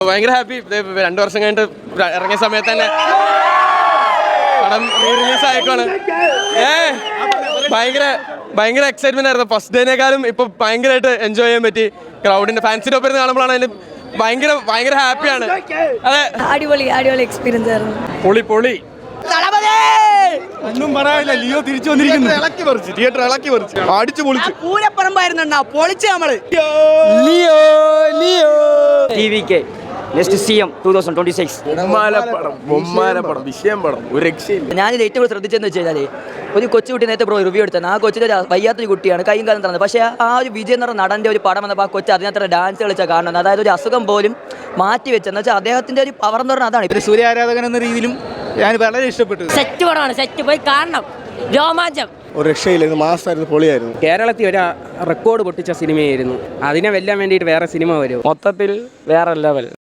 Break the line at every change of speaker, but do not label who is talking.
ഭയങ്കര ഹാപ്പി. 2 വർഷം കഴിഞ്ഞിട്ട് ഇറങ്ങിയ സമയത്ത് തന്നെ പടം റിലീസ് ആയേക്കാണ്. ഭയങ്കര എക്സൈറ്റ്മെന്റ് ആയിരുന്നു. ഫസ്റ്റ് ഡേനേക്കാളും ഇപ്പൊ ഭയങ്കരമായിട്ട് എൻജോയ് ചെയ്യാൻ പറ്റി. ക്രൗഡിന്റെ ഫാൻസിന്റെ ഒപ്പം കാണുമ്പോഴാണ് അതിന് ഭയങ്കര ഹാപ്പിയാണ്. അതെ,
അടിപൊളി എക്സ്പീരിയൻസ് ആയിരുന്നു.
പൊളി
ഒന്നും പറയാനില്ല. ലിയോ തിരിച്ചു വന്നിരിക്കുന്നു.
തിയേറ്റർ ഇളക്കി പറിച്ചു, അടിച്ചു പൊളിച്ചു.
പൂരപ്പറമ്പായിരുന്നു പൊളിച്ച് നമ്മള്.
TVK നെക്സ്റ്റ് CM 2026
പടം വിഷയം പടം ഒരു രക്ഷയില്ല.
ഞാനിത് ഏറ്റവും കൂടുതൽ ശ്രദ്ധിച്ചെന്ന് വെച്ച് കഴിഞ്ഞാൽ ഒരു കൊച്ചുകുട്ടി നേരത്തെ റിവ്യൂ എടുത്തത്. ആ കൊച്ചിൻ്റെ ഒരു വയ്യാത്തൊരു കുട്ടിയാണ്, കൈയും കാലം തന്നത്. പക്ഷേ ആ ഒരു വിജയ് എന്ന് പറഞ്ഞ നടൻ്റെ ഒരു പടം വന്നപ്പോൾ ആ കൊച്ചു അതിനകത്ത് ഡാൻസ് കളിച്ചാൽ കാണുന്നത്. അതായത് ഒരു അസുഖം പോലും മാറ്റി വെച്ചെന്ന് വെച്ചാൽ അദ്ദേഹത്തിൻ്റെ ഒരു പവർ എന്ന് പറഞ്ഞാൽ അതാണ്.
ഒരു സൂര്യ ആരാധകൻ എന്ന രീതിയിലും ഞാൻ വളരെ ഇഷ്ടപ്പെട്ടു.
സെറ്റ് പടമാണ്, സെറ്റ് പോയി കാണണം. രോമാഞ്ചം
ഒരു രക്ഷയില്ലായിരുന്നു, മാസമായിരുന്നു, പൊളിയായിരുന്നു.
കേരളത്തിൽ ഒരു റെക്കോർഡ് പൊട്ടിച്ച സിനിമയായിരുന്നു. അതിനെ വെല്ലാൻ വേണ്ടിയിട്ട് വേറെ സിനിമ വരും. മൊത്തത്തിൽ വേറെ ലെവൽ.